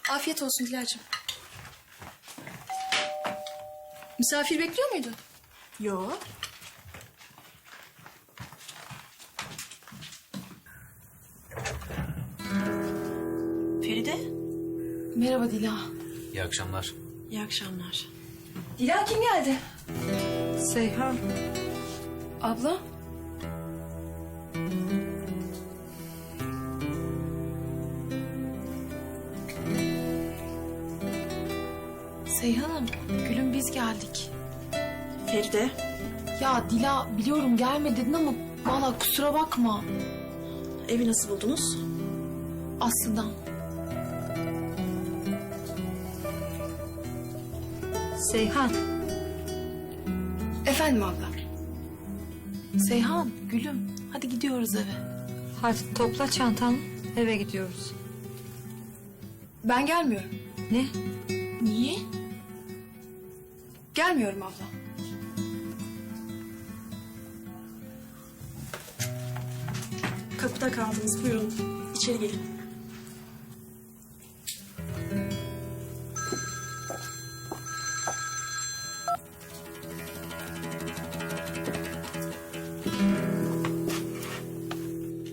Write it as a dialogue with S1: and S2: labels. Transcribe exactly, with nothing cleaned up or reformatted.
S1: Afiyet olsun Dilara'cığım. Misafir bekliyor muydun?
S2: Yo. Feride.
S1: Merhaba Dila.
S3: İyi akşamlar.
S2: İyi akşamlar.
S1: Dila kim geldi?
S2: Seyhan.
S1: Abla.
S4: Seyhan'ım, gülüm biz geldik.
S2: Feride.
S4: Ya Dila biliyorum gelme dedin ama vallahi kusura bakma.
S2: Evi nasıl buldunuz?
S4: Aslı'dan.
S5: Seyhan,
S1: Efendim abla.
S4: Seyhan, gülüm hadi gidiyoruz eve.
S5: hadi topla çantanı, eve gidiyoruz.
S1: Ben gelmiyorum.
S5: Ne?
S4: Niye?
S1: Gelmiyorum abla.
S2: Kapıda kaldınız. Buyurun. İçeri gelin.